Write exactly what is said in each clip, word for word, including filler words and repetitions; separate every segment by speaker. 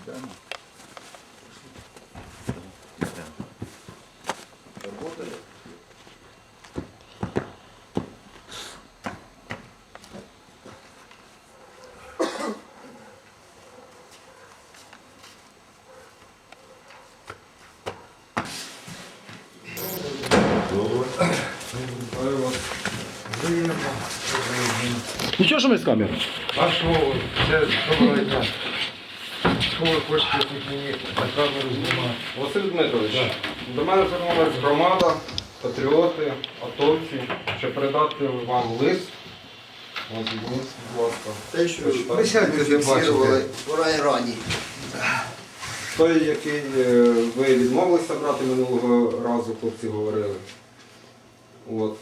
Speaker 1: Работали?
Speaker 2: Нічого, що ми з камери?
Speaker 3: А що, це доброго дня. Що ви хочете тут мені на камеру знімати?
Speaker 4: Василь Дмитрович, до мене звернулася громада, патріоти, атовці, щоб передати вам лист. Ось, візьміть, будь ласка.
Speaker 1: Те, що
Speaker 3: Присядьте, де
Speaker 1: фіксували
Speaker 3: бачите.
Speaker 1: в райрані.
Speaker 4: Той, який е, ви відмовилися брати минулого разу, хлопці говорили. От.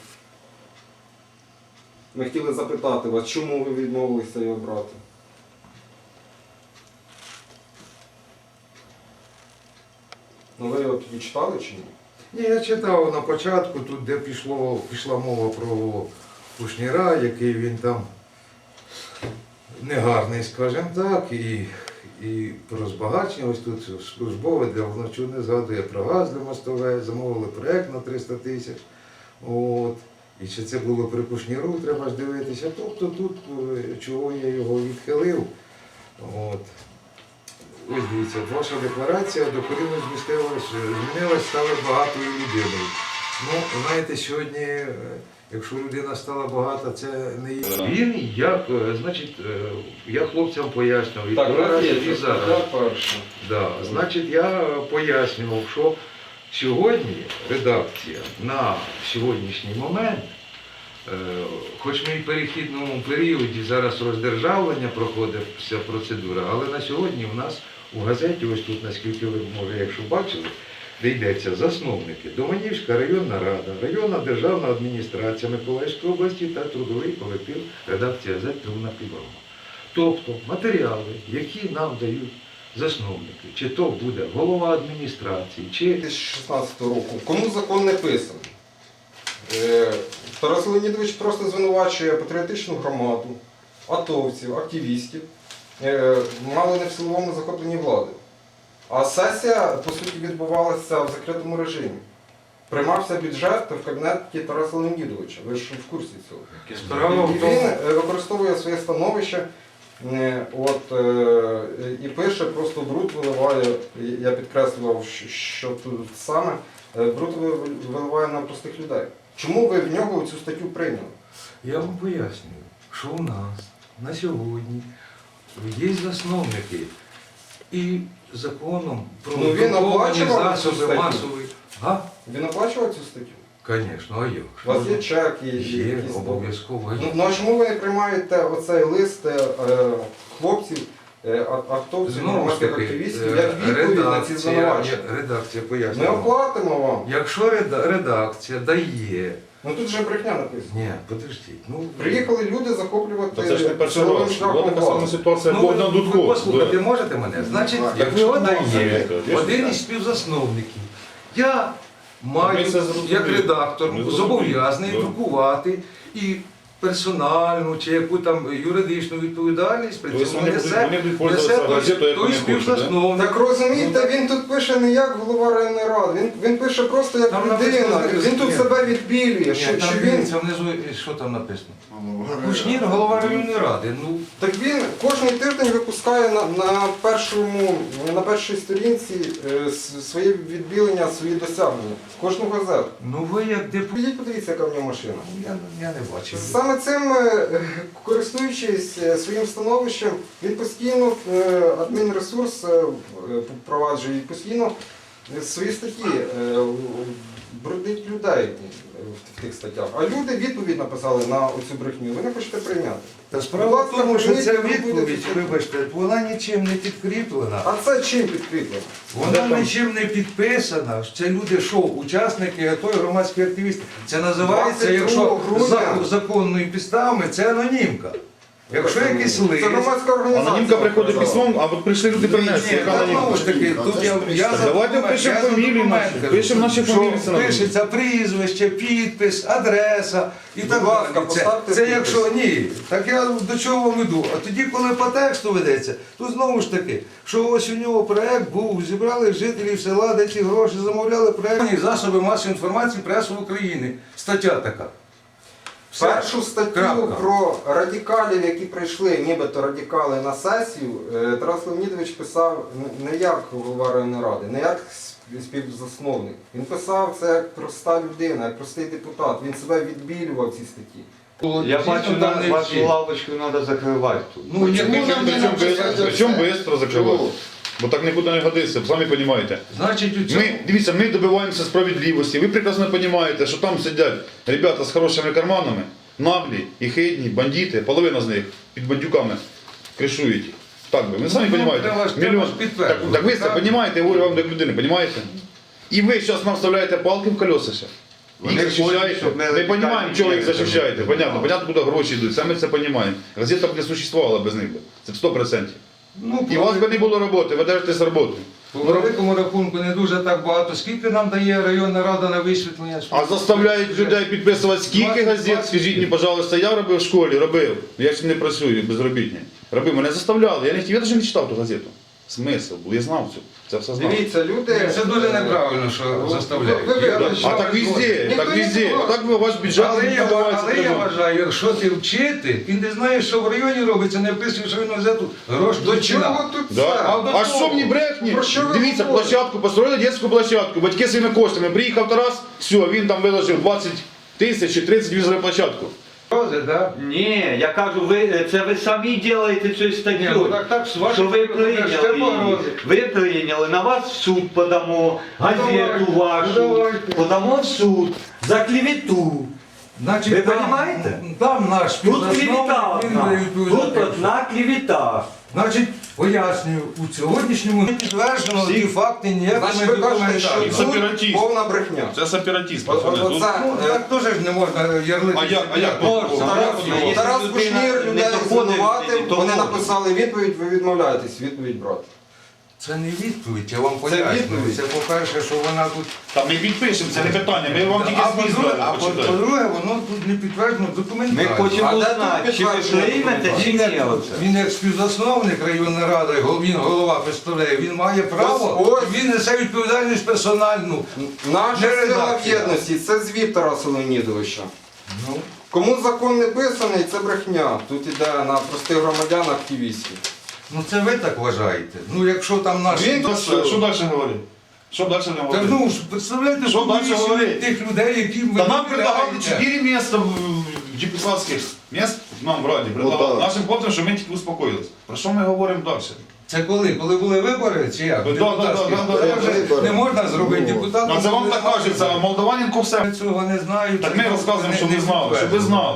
Speaker 4: Ми хотіли запитати вас, чому ви відмовилися його брати? Ну ви його тоді читали чи ні?
Speaker 3: Ні, я читав на початку, тут де пішло, пішла мова про Кушніра, який він там негарний, скажімо так, і, і про збагачення. Ось тут службове для вночу згадує про газ для мостове, замовили проєкт на триста тисяч. От. І чи це було при Кушніру, треба ж дивитися. Тобто тут, чого я його відхилив. От. Ось дивіться, ваша декларація докорінно змістилась, змінилась, стала багатою людиною. Ну, знаєте, сьогодні, якщо людина стала багата, це не є. Він, як, значить, я хлопцям пояснював, і
Speaker 4: Так,
Speaker 3: два рази,
Speaker 4: є,
Speaker 3: і зараз.
Speaker 4: перше.
Speaker 3: Да. Значить, я пояснював, що сьогодні редакція на сьогоднішній момент, е, хоч ми і в перехідному періоді зараз роздержавлення проходить вся процедура, але на сьогодні в нас у газеті, ось тут, наскільки ви, може, якщо бачили, де йдеться засновники, Доманівська районна рада, районна державна адміністрація Миколаївської області та трудовий колектив редакції газети «Трудна підрома». Тобто матеріали, які нам дають засновники, чи то буде голова адміністрації, чи...
Speaker 4: дві тисячі шістнадцятого року. Кому закон не писаний? Е, Тарас Леонідович просто звинувачує патріотичну громаду, атовців, активістів, е, мало не в силовому захопленні влади. А сесія, по суті, відбувалася в закритому режимі. Приймався бюджет в кабінеті Тараса Леонідовича. Ви ж в курсі цього.
Speaker 3: Справа
Speaker 4: І
Speaker 3: в тому,
Speaker 4: він е, використовує своє становище. Е, От, е, і пише, просто бруд виливає, я підкреслював, що- що тут саме, е, бруд ви- виливає на простих людей. Чому ви в нього цю статтю прийняли?
Speaker 3: я вам пояснюю, що у нас на сьогодні є засновники і законом про
Speaker 4: Ну, він
Speaker 3: друковані
Speaker 4: оплачував цю
Speaker 3: засоби
Speaker 4: статтю?
Speaker 3: масової. Га?
Speaker 4: Він оплачував цю статтю?
Speaker 3: Звісно, а як?
Speaker 4: У вас є чек і
Speaker 3: Є,
Speaker 4: якісь...
Speaker 3: обов'язково
Speaker 4: Ну,
Speaker 3: є.
Speaker 4: ну а чому ви не приймаєте оцей лист е, е, хлопців, е, а- автовців,
Speaker 3: Знову ж
Speaker 4: громадських
Speaker 3: таки,
Speaker 4: активістів,
Speaker 3: е,
Speaker 4: як відповідь на ці
Speaker 3: редакція,
Speaker 4: звинувачення?
Speaker 3: редакція
Speaker 4: Ми
Speaker 3: пояснює.
Speaker 4: оплатимо вам.
Speaker 3: Якщо реда- редакція дає...
Speaker 4: Ну тут же брехня написано.
Speaker 3: Ні, подождіть. Ну,
Speaker 4: Приїхали люди захоплювати
Speaker 5: Це ж не перший
Speaker 4: силовим
Speaker 5: раз.
Speaker 4: шляхом
Speaker 5: Була така сама
Speaker 4: владу.
Speaker 5: ситуація
Speaker 3: Ну,
Speaker 5: Богдан
Speaker 3: ви,
Speaker 5: Дудко.
Speaker 3: ви послухати можете мене? Значить,
Speaker 1: Так,
Speaker 3: якщо
Speaker 1: так,
Speaker 3: дає
Speaker 5: так,
Speaker 3: один
Speaker 5: так.
Speaker 3: із співзасновників, я маю,
Speaker 5: Ми це зрозуміли.
Speaker 3: як редактор,
Speaker 5: Ми зрозуміли.
Speaker 3: зобов'язаний
Speaker 5: Да.
Speaker 3: друкувати і персональну чи яку там юридичну відповідальність, при
Speaker 5: Тобто
Speaker 3: цьому
Speaker 5: вони
Speaker 3: несе,
Speaker 5: будуть- вони будуть
Speaker 3: несе
Speaker 5: пользуватися
Speaker 3: той,
Speaker 5: газетою, як
Speaker 3: той
Speaker 5: вони хочуть,
Speaker 3: співзасновник.
Speaker 4: Так розумієте, він тут пише не як голова районної ради, він, він пише просто як
Speaker 3: Там
Speaker 4: людина,
Speaker 3: написано,
Speaker 4: він тут
Speaker 3: ні.
Speaker 4: себе відбілює,
Speaker 3: Ні,
Speaker 4: що,
Speaker 3: там
Speaker 4: що він...
Speaker 3: дивіться внизу, що там написано. Кушнір, голова районної ради. Ну,
Speaker 4: Так він кожен тиждень випускає на, на, першому, на першій сторінці е, с- своє відбілення, свої досягнення. Кожну газету.
Speaker 3: ну ви як депутат.
Speaker 4: Підіть, подивіться, яка в нього машина.
Speaker 3: Я, я не бачив.
Speaker 4: Саме цим, е, користуючись е, своїм становищем, він постійно е, адмінресурс е, впроваджує і постійно е, свої статті е, брудить людей в тих статтях. А люди відповідь написали на оцю брехню, ви не хочете прийняти.
Speaker 3: Та справа в тому, що
Speaker 4: прийміть,
Speaker 3: ця
Speaker 4: ви будете
Speaker 3: відповідь,
Speaker 4: чути.
Speaker 3: вибачте, вона нічим не підкріплена.
Speaker 4: А це чим підкріплено?
Speaker 3: Вона нічим не підписана. Це люди, що учасники АТО і громадські активісти. Це називається,
Speaker 4: двадцять другого
Speaker 3: якщо
Speaker 4: грудня.
Speaker 3: за законною підставами, це анонімка. Якщо якийсь лист,
Speaker 4: Це громадська організація.
Speaker 1: Анонімка приходить
Speaker 4: показала.
Speaker 1: письмом, а от прийшли люди принесли.
Speaker 3: Ні,
Speaker 1: Яка
Speaker 3: та
Speaker 1: анонімка?
Speaker 3: знову ж таки, тут я, я
Speaker 1: Так
Speaker 3: за
Speaker 1: давайте
Speaker 3: документ,
Speaker 1: пишемо
Speaker 3: я за
Speaker 1: фамілії
Speaker 3: документ
Speaker 1: наші,
Speaker 3: кажу,
Speaker 1: пишемо наші
Speaker 3: що
Speaker 1: фамілії, це нормально.
Speaker 3: пишеться прізвище, підпис, адреса і
Speaker 4: Будь
Speaker 3: так
Speaker 4: ласка,
Speaker 3: далі. Це,
Speaker 4: поставте
Speaker 3: це
Speaker 4: підпис.
Speaker 3: якщо ні, так я до чого вам іду. А тоді, коли по тексту ведеться, то знову ж таки, що ось у нього проект був, зібрали жителів села, де ці гроші замовляли проект. Засоби масової інформації преси України. Стаття така. Все.
Speaker 4: Першу статтю
Speaker 3: Крапка.
Speaker 4: про радикалів, які прийшли, нібито радикали на сесію, е, Тарас Леонідович писав не як голова районної ради, не як співзасновник. Він писав це як проста людина, як простий депутат. Він себе відбілював в цій статті.
Speaker 2: Я
Speaker 3: Дійсно,
Speaker 2: бачу,
Speaker 3: там
Speaker 2: на
Speaker 3: не всі.
Speaker 2: вашу лавочку треба закривати тут.
Speaker 3: Ну, якщо нам не
Speaker 1: Причому
Speaker 3: написати,
Speaker 1: причому швидко закривати. Бо так нікуди не годиться, самі розумієте.
Speaker 3: значить, у цьому...
Speaker 1: Ми, дивіться, ми добиваємося справедливості. Ви прекрасно розумієте, що там сидять ребята з хорошими карманами, наглі і хидні, бандити, половина з них під бандюками кришують їх. Так би, ви самі
Speaker 3: Ну,
Speaker 1: розумієте.
Speaker 3: треба ж- треба ж
Speaker 1: Так,
Speaker 3: підтверджувати,
Speaker 1: так ви це
Speaker 3: так?
Speaker 1: розумієте, я говорю вам як людини, розумієте? І ви зараз нам вставляєте палки в колеса ще.
Speaker 2: Вони
Speaker 1: Їх захищаєте.
Speaker 2: хочуть, щоб ми
Speaker 1: Ми
Speaker 2: радикальні
Speaker 1: розуміємо, чого їх
Speaker 2: діяли.
Speaker 1: захищаєте. Понятно, понятно, куди гроші йдуть, саме це розуміємо. Газета б не существувала без них. би. Це сто відсотків.
Speaker 3: Ну,
Speaker 1: І у вас би не було роботи, ви держитесь роботи.
Speaker 3: по великому рахунку не дуже так багато. Скільки нам дає районна рада на висвітлення?
Speaker 1: А заставляють людей підписувати скільки газет, скажіть мені, пожалуйста, я робив в школі, робив. Я ж не працюю безробітний. Робив, мене заставляли. Я не хотів, я навіть не читав ту газету. Смисл був, я знав цю. Це все знав.
Speaker 4: Дивіться, люди...
Speaker 3: Це дуже неправильно, що заставляють.
Speaker 4: Ви- ви-
Speaker 3: Я
Speaker 4: ви-
Speaker 3: вважаю,
Speaker 1: А так везде,
Speaker 4: Ніхто
Speaker 1: так
Speaker 4: не
Speaker 1: везде.
Speaker 4: знає.
Speaker 1: А так ви ваш бюджет
Speaker 3: Але я,
Speaker 1: подавається.
Speaker 3: але я вважаю, якщо ти вчитель і не знаєш, що в районі робиться, не вписуєш районну газету, грош
Speaker 4: До
Speaker 3: до
Speaker 4: чого тут
Speaker 1: Да.
Speaker 4: це?
Speaker 3: А до
Speaker 1: А
Speaker 3: того?
Speaker 1: що мені брехні?
Speaker 4: Про що ви
Speaker 1: Дивіться,
Speaker 4: говорите?
Speaker 1: площадку, построїли дитячу площадку, батьки своїми коштами. Приїхав Тарас, все, він там виложив двадцять тисяч чи тридцять візову площадку.
Speaker 3: Да?
Speaker 2: Ні, я кажу, ви, це ви самі робите цю
Speaker 3: Ні, ну
Speaker 2: статтю.
Speaker 3: так, так, з вашої
Speaker 2: Що ви
Speaker 3: сторони,
Speaker 2: прийняли
Speaker 3: ще
Speaker 2: її.
Speaker 3: погрози.
Speaker 2: Ви прийняли, на вас в суд подамо, газету
Speaker 3: давайте,
Speaker 2: вашу,
Speaker 3: ну давайте.
Speaker 2: подамо в суд за клевету.
Speaker 3: Значить,
Speaker 2: Ви
Speaker 3: там-
Speaker 2: понімаєте?
Speaker 3: Там наш
Speaker 2: Тут клевета
Speaker 3: співзасновник, він
Speaker 2: одна,
Speaker 3: не відповідає.
Speaker 2: тут одна клевета.
Speaker 3: Значить, пояснюю, у сьогоднішньому не підтверджено ті факти ніякими
Speaker 4: Значить, ви кажете, що
Speaker 3: документами.
Speaker 1: Це
Speaker 4: тут
Speaker 1: сепаратизм.
Speaker 4: повна брехня.
Speaker 1: Це сепаратіст,
Speaker 4: От- от- оце,
Speaker 3: Ну,
Speaker 4: е,
Speaker 3: так теж ж не можна ярлити.
Speaker 1: А як- а як?
Speaker 3: Можна.
Speaker 4: Тарас,
Speaker 2: Якщо
Speaker 4: Тарас
Speaker 2: людина
Speaker 4: Кушнір
Speaker 2: не
Speaker 4: людей
Speaker 2: доходить,
Speaker 4: звинуватив,
Speaker 2: то
Speaker 4: вони
Speaker 2: може.
Speaker 4: написали відповідь, ви відмовляєтесь відповідь брати.
Speaker 3: Це не відповідь, я вам пояснюю.
Speaker 4: відповідь.
Speaker 3: Це по-перше, що вона тут...
Speaker 1: Там ми відпишемо, це не питання, ми вам тільки
Speaker 3: А
Speaker 1: зміст
Speaker 3: по-друге,
Speaker 1: дали,
Speaker 3: а по-
Speaker 1: почитайте.
Speaker 3: по-друге, воно тут не підтверджено
Speaker 2: Ми
Speaker 3: документально.
Speaker 2: хочемо
Speaker 4: А де тут
Speaker 2: узнати, чи ви
Speaker 4: підтвердження
Speaker 2: приймете, чи
Speaker 3: Він
Speaker 2: ні.
Speaker 3: як,
Speaker 2: оце.
Speaker 3: він як співзасновник районної ради, гол- він голова представляє, він має право,
Speaker 4: Ось- ось.
Speaker 3: він несе відповідальність персональну.
Speaker 4: Наша
Speaker 3: Не
Speaker 4: сила в
Speaker 3: редакція.
Speaker 4: єдності це звіт Тараса Леонідовича.
Speaker 3: Ну,
Speaker 4: Кому закон не писаний, це брехня. Тут іде на простих громадян активістів.
Speaker 3: ну це ви так вважаєте. Ну якщо там наш...
Speaker 4: Він тут
Speaker 1: Що що далі говорить? Що далі не
Speaker 3: Так
Speaker 1: говорить?
Speaker 3: ну ж, представляєте,
Speaker 1: Що далі
Speaker 3: комісію
Speaker 1: говорити?
Speaker 3: тих людей, які ви
Speaker 1: Та нам предлагали
Speaker 3: вибираєте.
Speaker 1: чотири місця в депутатських місць, нам в Раді предлагали. Нашим хлопцям, що ми тільки успокоїлися. Про що ми говоримо далі?
Speaker 3: Це коли? Коли були вибори чи як?
Speaker 1: Да, да,
Speaker 3: Депутатські?
Speaker 1: да, да, да,
Speaker 3: Це вже
Speaker 5: вибори.
Speaker 3: не можна зробити депутатом.
Speaker 1: Ну, це вам
Speaker 3: коли
Speaker 1: так
Speaker 3: немає
Speaker 1: кажеться, а
Speaker 3: виборів.
Speaker 1: Молдаваненко все.
Speaker 3: Ми цього не знають.
Speaker 1: Так ми розказуємо, що ви знали, щоб ви знали.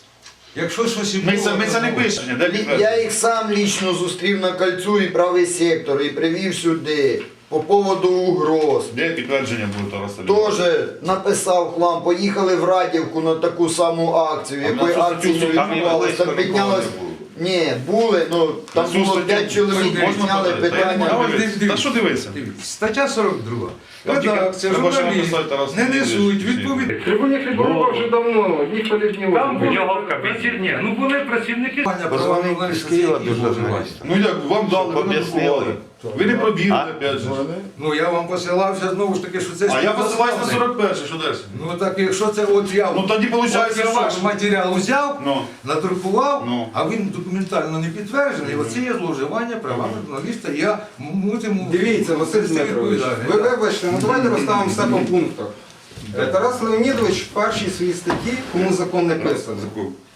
Speaker 3: Якщо щось і
Speaker 1: Ми
Speaker 3: було,
Speaker 1: це, ми
Speaker 3: то
Speaker 1: це не
Speaker 3: було.
Speaker 1: пишемо. Де
Speaker 5: Я
Speaker 1: підтвердження?
Speaker 5: їх сам лічно зустрів на кольцу і правий сектор і привів сюди по поводу угроз.
Speaker 1: Де підтвердження буде Тараса Леонідовича?
Speaker 5: Теж написав хлам, поїхали в Радівку на таку саму акцію,
Speaker 1: А на
Speaker 5: якої
Speaker 1: цю
Speaker 5: акції не
Speaker 1: статтю там і
Speaker 5: відбувалося.
Speaker 1: близько
Speaker 5: Там
Speaker 1: нікого
Speaker 5: піднялось.
Speaker 1: не було.
Speaker 5: Ні, були, ну там
Speaker 1: На цю
Speaker 5: було
Speaker 1: статтю
Speaker 5: п'ять чоловік,
Speaker 3: можна
Speaker 5: підняли
Speaker 1: подати? Та я не
Speaker 5: питання.
Speaker 1: можу.
Speaker 3: Дивіться,
Speaker 1: Та
Speaker 3: дивіться.
Speaker 1: що дивитися?
Speaker 3: Дивіться, стаття сорок друга.
Speaker 1: Там тільки
Speaker 3: Редакція,
Speaker 1: треба ще
Speaker 3: журналіст
Speaker 1: написати Тарас
Speaker 3: не
Speaker 1: Леонідович.
Speaker 3: несуть відповідь.
Speaker 6: Трибуні Хліборова вже давно, ніхто не знімав.
Speaker 3: Там були працівники, ну були працівники.
Speaker 2: Позвонив з Києва до журналіста.
Speaker 1: Ну як, вам дали, ви не
Speaker 2: Об'яснили.
Speaker 1: друкували. Ви не пробігли, опять же.
Speaker 3: Ну я вам посилався знову ж таки, що це
Speaker 1: А я посилаюсь на
Speaker 3: співзасновник.
Speaker 1: сорок перше, що далі?
Speaker 3: Ну так якщо це от я
Speaker 1: Ну тоді виходить,
Speaker 3: от я
Speaker 1: ваш.
Speaker 3: матеріал взяв,
Speaker 1: Ну.
Speaker 3: надрукував,
Speaker 1: Ну.
Speaker 3: а він документально не підтверджений, оце є зловживання права журналіста, я мусимо...
Speaker 4: Дивіться, Василь
Speaker 3: нести
Speaker 4: Дмитрович,
Speaker 3: відповідальність.
Speaker 4: ви
Speaker 3: Так.
Speaker 4: вибачте, ну давайте розставимо все по пунктах. Е, Тарас Леонідович в першій своїй статті, кому закон не писаний.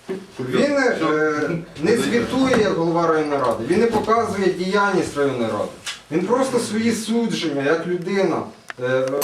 Speaker 4: Він е, не звітує як голова районної ради, він не показує діяльність районної ради. Він просто свої судження, як людина, е,